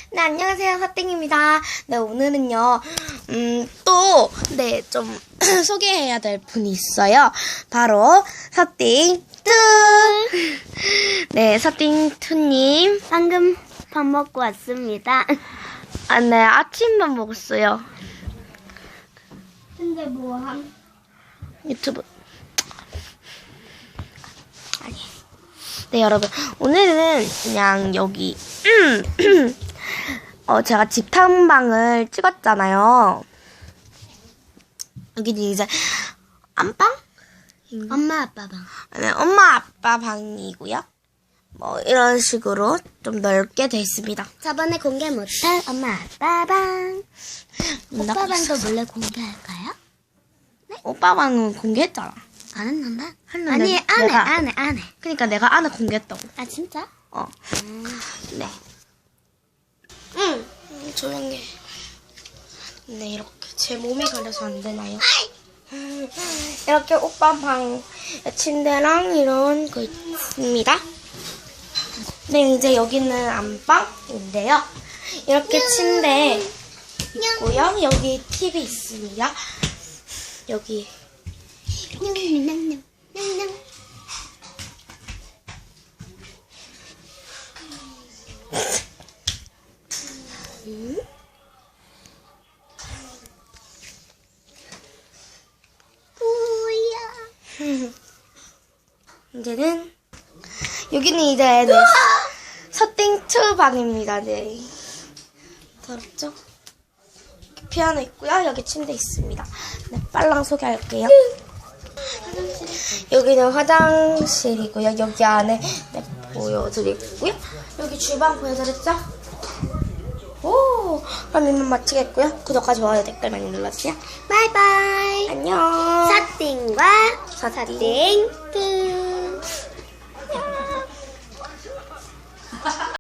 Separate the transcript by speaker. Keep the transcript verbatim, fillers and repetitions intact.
Speaker 1: 네, 안녕하세요. 사땡입니다. 네, 오늘은요, 음, 또, 네, 좀, 소개해야 될 분이 있어요. 바로, 사땡투! 네, 사땡투님.
Speaker 2: 방금 밥 먹고 왔습니다.
Speaker 1: 아, 네, 아침밥 먹었어요.
Speaker 2: 근데 뭐함?
Speaker 1: 유튜브. 아니. 네, 여러분. 오늘은 그냥 여기, 음, 어, 제가 집 탐방을 찍었잖아요. 여기는 이제, 안방?
Speaker 2: 엄마 아빠 방.
Speaker 1: 네, 엄마, 아빠 방이고요. 뭐, 이런 식으로 좀 넓게 돼 있습니다.
Speaker 2: 저번에 공개 못한 엄마 아빠 방. 오빠 방도 몰래 공개할까요?
Speaker 1: 오빠 방은 공개했잖아.
Speaker 2: 안 했는데?
Speaker 1: 했는데
Speaker 2: 아니 안해
Speaker 1: 내가-
Speaker 2: 안해 안해.
Speaker 1: 그러니까 내가 안에 공개했다고.
Speaker 2: 아 진짜?
Speaker 1: 어.
Speaker 2: 음.
Speaker 1: 네. 응. 음, 조용해. 네, 이렇게 제 몸이 가려서 안 되나요? 음, 이렇게 오빠 방 침대랑 이런 거 있습니다. 네, 이제 여기는 안방인데요. 이렇게 침대 있고요. 여기 티비 있습니다. 여기
Speaker 2: 냥냥냥냥 냥냥.
Speaker 1: 음.
Speaker 2: 뭐야?
Speaker 1: 이제는 여기는 이제 네, 서땡투 방입니다. 네. 더럽죠? 피아노 있고요. 여기 침대 있습니다. 네, 빨랑 소개할게요. 여기는 화장실이고요. 여기 안에 네, 보여드리고요. 여기 주방 보여드렸죠? 오, 그럼 이만 마치겠고요. 구독과 좋아요, 댓글 많이 눌러주세요.
Speaker 2: 바이바이.
Speaker 1: 안녕.
Speaker 2: 사띵과
Speaker 1: 사땡.
Speaker 2: 사띵투.